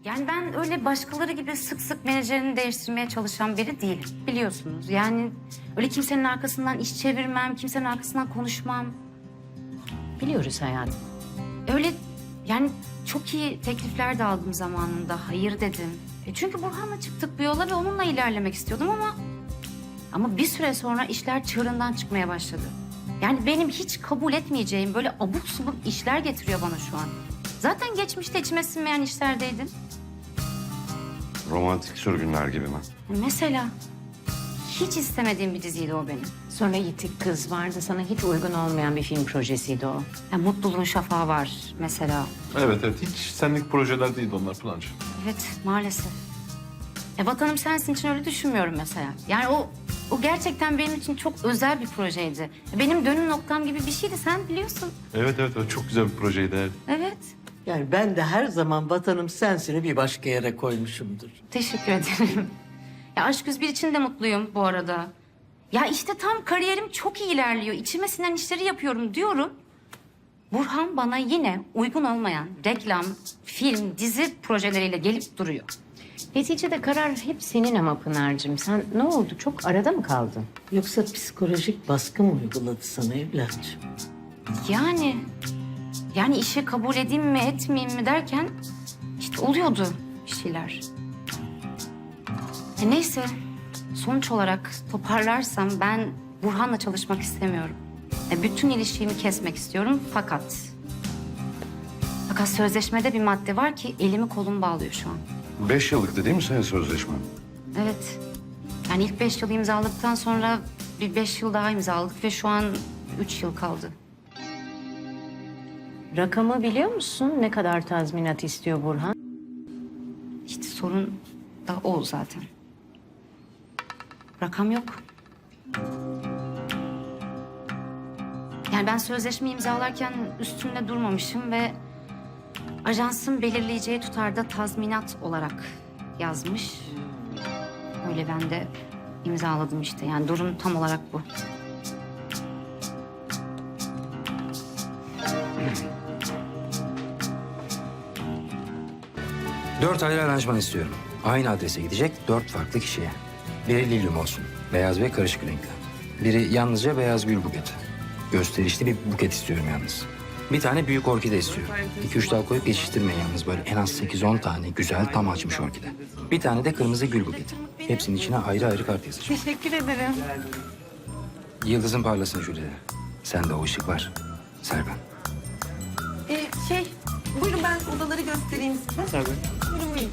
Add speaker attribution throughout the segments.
Speaker 1: Yani ben öyle başkaları gibi sık sık menajerini değiştirmeye çalışan biri değilim. Biliyorsunuz yani öyle kimsenin arkasından iş çevirmem, kimsenin arkasından konuşmam.
Speaker 2: Biliyoruz hayatım.
Speaker 1: Öyle yani çok iyi teklifler de aldım zamanında. Hayır dedim. Çünkü Burhan'la çıktık bir yola ve onunla ilerlemek istiyordum ama bir süre sonra işler çığırından çıkmaya başladı. Yani benim hiç kabul etmeyeceğim böyle abuk subuk işler getiriyor bana şu an. Zaten geçmişte içime sinmeyen işlerdeydim.
Speaker 3: Romantik sürgünler gibi mi?
Speaker 1: Mesela hiç istemediğim bir diziydi o benim.
Speaker 2: Sonra Yitik Kız vardı. Sana hiç uygun olmayan bir film projesiydi o.
Speaker 1: Mutluluğun Şafağı var mesela.
Speaker 4: Evet hiç senlik projeler değildi onlar Pınar.
Speaker 1: Evet maalesef. Vatanım Sensin için öyle düşünmüyorum mesela. Yani o gerçekten benim için çok özel bir projeydi. Benim dönüm noktam gibi bir şeydi sen biliyorsun.
Speaker 4: Evet o çok güzel bir projeydi. Evet.
Speaker 1: Evet.
Speaker 5: Yani ben de her zaman Vatanım Sensin'i bir başka yere koymuşumdur.
Speaker 1: Teşekkür ederim. Ya Aşk 101 için de mutluyum bu arada. Ya işte tam kariyerim çok iyi ilerliyor. İçime sinen işleri yapıyorum diyorum. Burhan bana yine uygun olmayan reklam, film, dizi projeleriyle gelip duruyor.
Speaker 2: Neticede karar hep senin ama Pınar'cığım. Sen ne oldu? Çok arada mı kaldın?
Speaker 5: Yoksa psikolojik baskı mı uyguladı sana evlatçım?
Speaker 1: Yani işe kabul edeyim mi etmeyeyim mi derken işte oluyordu bir şeyler. Neyse sonuç olarak toparlarsam ben Burhan'la çalışmak istemiyorum. Bütün ilişkimi kesmek istiyorum fakat sözleşmede bir madde var ki elimi kolumu bağlıyor şu an.
Speaker 3: 5 yıllıktı değil mi senin sözleşmen?
Speaker 1: Evet. Yani ilk 5 yıl imzaladıktan sonra bir 5 yıl daha imzaladık ve şu an 3 yıl kaldı.
Speaker 2: Rakamı biliyor musun? Ne kadar tazminat istiyor Burhan?
Speaker 1: İşte sorun da o zaten. Rakam yok. Yani ben sözleşme imzalarken üstünde durmamışım ve ajansın belirleyeceği tutarda tazminat olarak yazmış. Öyle ben de imzaladım işte. Yani durum tam olarak bu.
Speaker 6: Dört ayrı aranjman istiyorum. Aynı adrese gidecek 4 farklı kişiye. Biri lilyum olsun. Beyaz ve karışık renkli. Biri yalnızca beyaz gül buketi. Gösterişli bir buket istiyorum yalnız. Bir tane büyük orkide istiyorum. 2-3 dal koyup geçiştirmeyin yalnız. Böyle en az 8-10 tane güzel tam açmış orkide. Bir tane de kırmızı gül buketi. Hepsinin içine ayrı ayrı kart yazacağım.
Speaker 1: Teşekkür ederim.
Speaker 6: Yıldızın parlasın Jülide. Sende o ışık var. Serkan.
Speaker 7: Buyurun ben odaları göstereyim size.
Speaker 4: Tabii.
Speaker 7: Buyurun.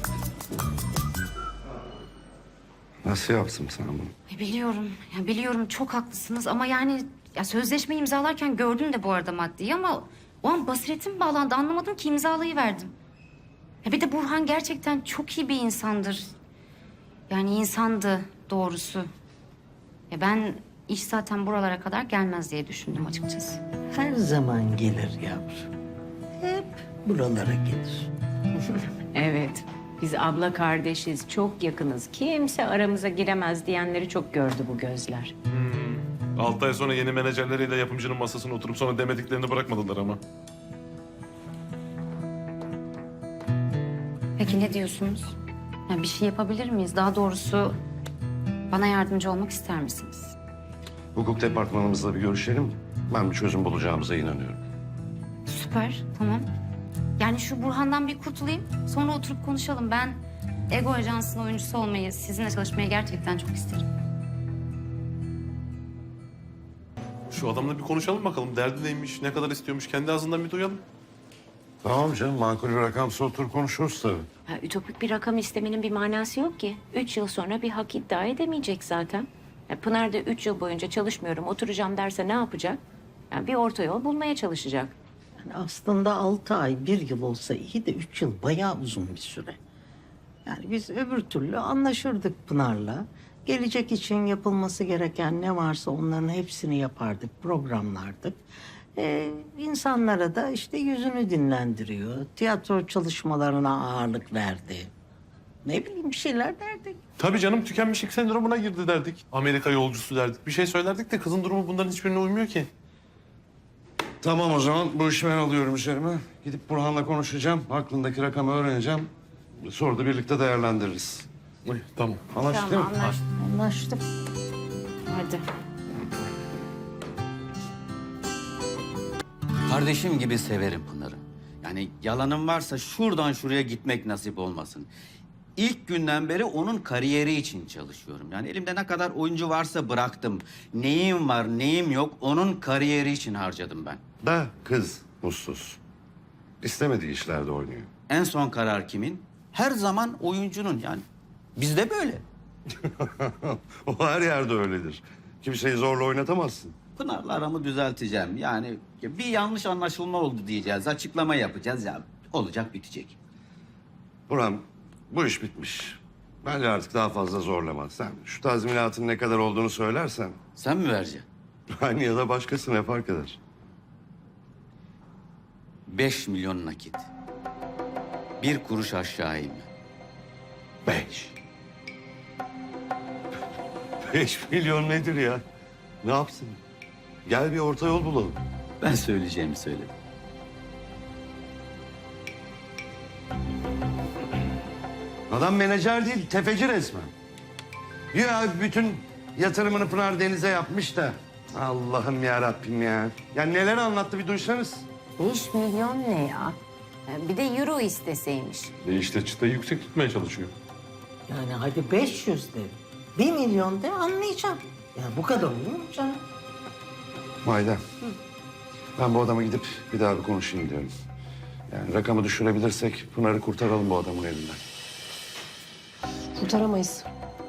Speaker 3: Nasıl yaptım sana bunu?
Speaker 1: Biliyorum çok haklısınız ama yani sözleşme imzalarken gördüm de bu arada maddeyi ama o an basiretim bağlandı anlamadım ki imzalayı verdim. Bir de Burhan gerçekten çok iyi bir insandır. Yani insandı doğrusu. Ben iş zaten buralara kadar gelmez diye düşündüm açıkçası.
Speaker 5: Her zaman gelir yavrum. Hep buralara gelir.
Speaker 2: Evet. Biz abla kardeşiz, çok yakınız. Kimse aramıza giremez diyenleri çok gördü bu gözler.
Speaker 4: 6 ay sonra yeni menajerleriyle yapımcının masasına oturup sonra demediklerini bırakmadılar ama.
Speaker 1: Peki ne diyorsunuz? Bir şey yapabilir miyiz? Daha doğrusu bana yardımcı olmak ister misiniz?
Speaker 3: Hukuk departmanımızla bir görüşelim. Ben bir çözüm bulacağımıza inanıyorum.
Speaker 1: Süper, tamam. Yani şu Burhan'dan bir kurtulayım. Sonra oturup konuşalım. Ben Ego Ajansı'nın oyuncusu olmayı, sizinle çalışmayı gerçekten çok isterim.
Speaker 4: Şu adamla bir konuşalım bakalım. Derdi neymiş, ne kadar istiyormuş kendi ağzından bir duyalım.
Speaker 3: Tamam canım, makul bir rakamsa otur konuşuruz tabii.
Speaker 2: Ütopik bir rakam istemenin bir manası yok ki. 3 yıl sonra bir hak iddia edemeyecek zaten. Pınar da 3 yıl boyunca çalışmıyorum, oturacağım derse ne yapacak? Bir orta yol bulmaya çalışacak.
Speaker 5: Yani aslında 6 ay, 1 yıl olsa iyi de 3 yıl bayağı uzun bir süre. Yani biz öbür türlü anlaşırdık Pınar'la. Gelecek için yapılması gereken ne varsa onların hepsini yapardık, programlardık. İnsanlara da işte yüzünü dinlendiriyor. Tiyatro çalışmalarına ağırlık verdi. Ne bileyim bir şeyler derdik.
Speaker 4: Tabii canım tükenmişlik sendromuna girdi derdik. Amerika yolcusu derdik. Bir şey söylerdik de kızın durumu bunların hiçbirine uymuyor ki.
Speaker 3: Tamam o zaman bu işi ben alıyorum üzerime. Gidip Burhan'la konuşacağım. Aklındaki rakamı öğreneceğim. Sonra da birlikte değerlendiririz.
Speaker 4: Ay, tamam.
Speaker 3: Anlaştık değil mi?
Speaker 5: Anlaştık.
Speaker 2: Hadi.
Speaker 8: Kardeşim gibi severim Pınar'ı. Yani yalanım varsa şuradan şuraya gitmek nasip olmasın. İlk günden beri onun kariyeri için çalışıyorum. Yani elimde ne kadar oyuncu varsa bıraktım. Neyim var, neyim yok onun kariyeri için harcadım ben.
Speaker 3: Da kız mutsuz. İstemediği işlerde oynuyor.
Speaker 8: En son karar kimin? Her zaman oyuncunun yani. Bizde böyle.
Speaker 3: O her yerde öyledir. Kimseyi zorla oynatamazsın.
Speaker 8: Pınar'la aramı düzelteceğim. Yani bir yanlış anlaşılma oldu diyeceğiz. Açıklama yapacağız ya. Olacak bitecek.
Speaker 3: Burhan, bu iş bitmiş. Bence artık daha fazla zorlama. Sen şu tazminatın ne kadar olduğunu söylersen...
Speaker 8: Sen mi vereceksin?
Speaker 3: Aynı ya da başkası ne fark eder?
Speaker 8: 5 milyon nakit. Bir kuruş aşağı inme.
Speaker 3: 5. 5 milyon nedir ya? Ne yapsın? Gel bir orta yol bulalım.
Speaker 8: Ben söyleyeceğimi söyledim.
Speaker 3: Adam menajer değil, tefeci resmen. Ya bütün yatırımını Pınar Deniz'e yapmış da. Allah'ım ya Rabbim ya. Ya neler anlattı bir duysanız.
Speaker 2: 5 milyon ne ya? Bir de euro isteseymiş.
Speaker 4: İşte çıtayı yüksek tutmaya çalışıyor.
Speaker 5: Yani hadi 500 de. 1 milyon de anlayacağım. Ya bu kadar olur mu canım?
Speaker 3: Mayda. Ben bu adama gidip bir daha bir konuşayım diyorum. Yani rakamı düşürebilirsek Pınar'ı kurtaralım bu adamın elinden.
Speaker 9: Kurtaramayız.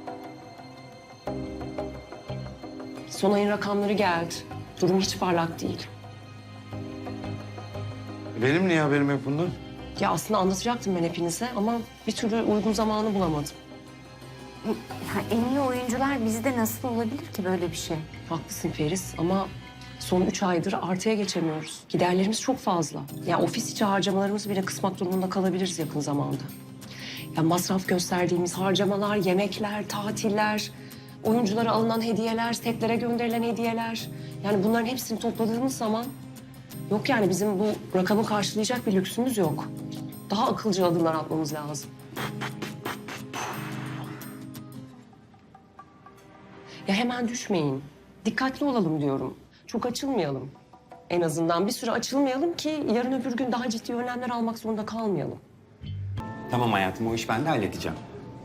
Speaker 9: Son ayın rakamları geldi. Durum hiç parlak değil.
Speaker 3: Benim niye haberim yok bundan?
Speaker 9: Ya aslında anlatacaktım ben hepinize ama bir türlü uygun zamanı bulamadım.
Speaker 2: Ya en iyi oyuncular bizde nasıl olabilir ki böyle bir şey?
Speaker 9: Haklısın Feris ama son 3 aydır artıya geçemiyoruz. Giderlerimiz çok fazla. Ya ofis içi harcamalarımızı bile kısmak durumunda kalabiliriz yakın zamanda. Ya masraf gösterdiğimiz harcamalar, yemekler, tatiller, oyunculara alınan hediyeler, setlere gönderilen hediyeler. Yani bunların hepsini topladığımız zaman yok yani bizim bu rakamı karşılayacak bir lüksümüz yok. Daha akılcı adımlar atmamız lazım. Ya hemen düşmeyin. Dikkatli olalım diyorum. Çok açılmayalım. En azından bir süre açılmayalım ki yarın öbür gün daha ciddi önlemler almak zorunda kalmayalım.
Speaker 10: Tamam hayatım, o iş ben de halledeceğim.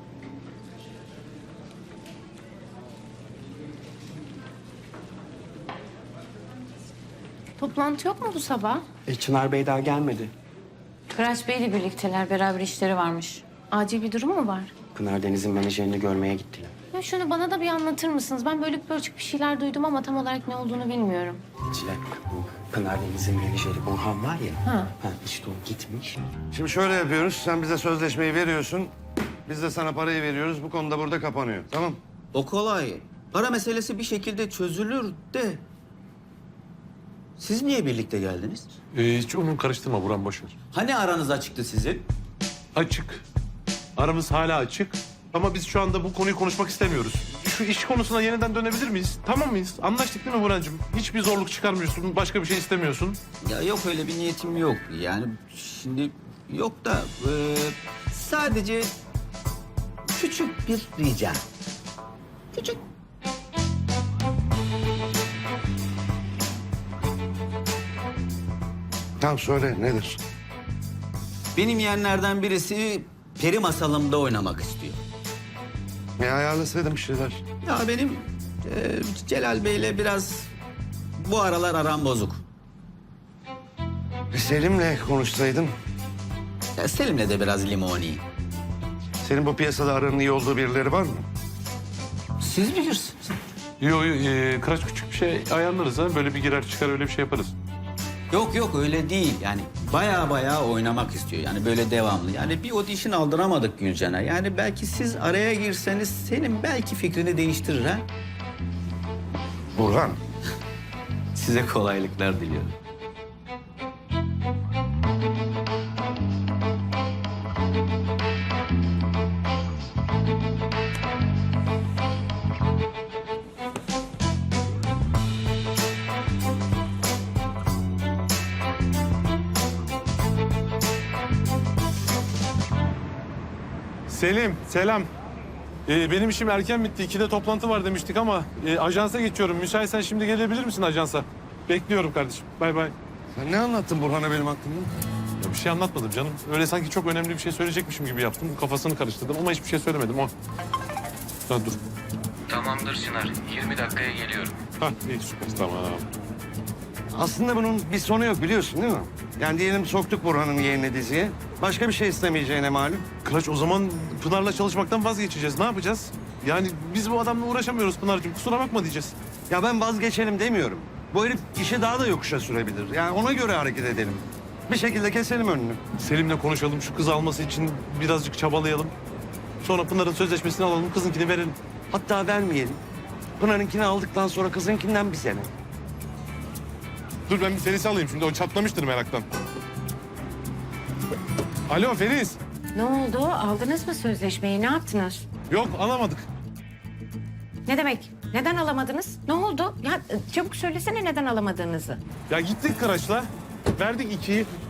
Speaker 11: Toplantı yok mu bu sabah?
Speaker 10: Çınar Bey daha gelmedi.
Speaker 11: Kıraç Bey'le birlikteler. Beraber işleri varmış. Acil bir durum mu var?
Speaker 10: Pınar Deniz'in menajerini görmeye gittiler.
Speaker 11: Ya şunu bana da bir anlatır mısınız? Ben bölük bir şeyler duydum ama tam olarak ne olduğunu bilmiyorum.
Speaker 10: Çilek, bu Pınar Deniz'in menajeri Burhan var ya.
Speaker 11: Ha.
Speaker 10: İşte o gitmiş.
Speaker 3: Şimdi şöyle yapıyoruz. Sen bize sözleşmeyi veriyorsun. Biz de sana parayı veriyoruz. Bu konuda burada kapanıyor. Tamam?
Speaker 8: O kolay. Para meselesi bir şekilde çözülür de. Siz niye birlikte geldiniz?
Speaker 4: Hiç onu karıştırma Burhan, boş ver.
Speaker 8: Hani aranız açıktı sizin?
Speaker 4: Açık. Aramız hala açık. Ama biz şu anda bu konuyu konuşmak istemiyoruz. Şu iş konusuna yeniden dönebilir miyiz? Tamam mıyız? Anlaştık değil mi Burhan'cığım? Hiçbir zorluk çıkarmıyorsun, başka bir şey istemiyorsun.
Speaker 8: Ya yok öyle bir niyetim yok. Yani şimdi yok da sadece küçük bir rica. Küçük.
Speaker 3: Tamam söyle nedir?
Speaker 8: Benim yeğenlerden birisi peri masalımda oynamak istiyor.
Speaker 3: Ayarlasaydım bir şeyler.
Speaker 8: Ya benim Celal Bey'le biraz bu aralar aram bozuk.
Speaker 3: Selim'le konuşsaydın.
Speaker 8: Ya Selim'le de biraz limoni.
Speaker 3: Senin bu piyasada aranın iyi olduğu birileri var mı?
Speaker 8: Siz bilirsiniz.
Speaker 4: Yok, Kıraç küçük bir şey ayarlarız ha. Böyle bir girer çıkar öyle bir şey yaparız.
Speaker 8: Yok yok öyle değil. Yani baya oynamak istiyor. Yani böyle devamlı. Yani bir audition aldıramadık Gülcan'a. Yani belki siz araya girseniz Selim belki fikrini değiştirir ha.
Speaker 3: Burhan.
Speaker 8: Size kolaylıklar diliyorum.
Speaker 4: Selim, selam. Benim işim erken bitti. 2'de toplantı var demiştik ama ajansa geçiyorum. Müsaitsen şimdi gelebilir misin ajansa? Bekliyorum kardeşim. Bay bay.
Speaker 3: Sen ne anlattın Burhan'a benim hakkımda?
Speaker 4: Ya bir şey anlatmadım canım. Öyle sanki çok önemli bir şey söyleyecekmişim gibi yaptım. Kafasını karıştırdım ama hiçbir şey söylemedim o. Ha, dur.
Speaker 6: Tamamdır Çınar. 20 dakikaya geliyorum.
Speaker 4: Ha iyi süper tamam.
Speaker 3: Aslında bunun bir sonu yok biliyorsun değil mi? Yani diyelim soktuk Burhan'ın yeğenini diziye. Başka bir şey istemeyeceğine malum.
Speaker 4: Kıraç o zaman Pınar'la çalışmaktan vazgeçeceğiz. Ne yapacağız? Yani biz bu adamla uğraşamıyoruz Pınar'cığım. Kusura bakma diyeceğiz.
Speaker 3: Ya ben vazgeçelim demiyorum. Bu herif işi daha da yokuşa sürebilir. Yani ona göre hareket edelim. Bir şekilde keselim önünü.
Speaker 4: Selim'le konuşalım. Şu kızı alması için birazcık çabalayalım. Sonra Pınar'ın sözleşmesini alalım. Kızınkini verelim.
Speaker 3: Hatta vermeyelim. Pınar'ınkini aldıktan sonra kızınkinden bir sene.
Speaker 4: Dur ben bir Feris'i alayım şimdi. O çatlamıştır meraktan. Alo Feris.
Speaker 2: Ne oldu? Aldınız mı sözleşmeyi? Ne yaptınız?
Speaker 4: Yok alamadık.
Speaker 2: Ne demek? Neden alamadınız? Ne oldu? Ya çabuk söylesene neden alamadığınızı.
Speaker 4: Ya gittik Kıraç'la. Verdik 2'yi.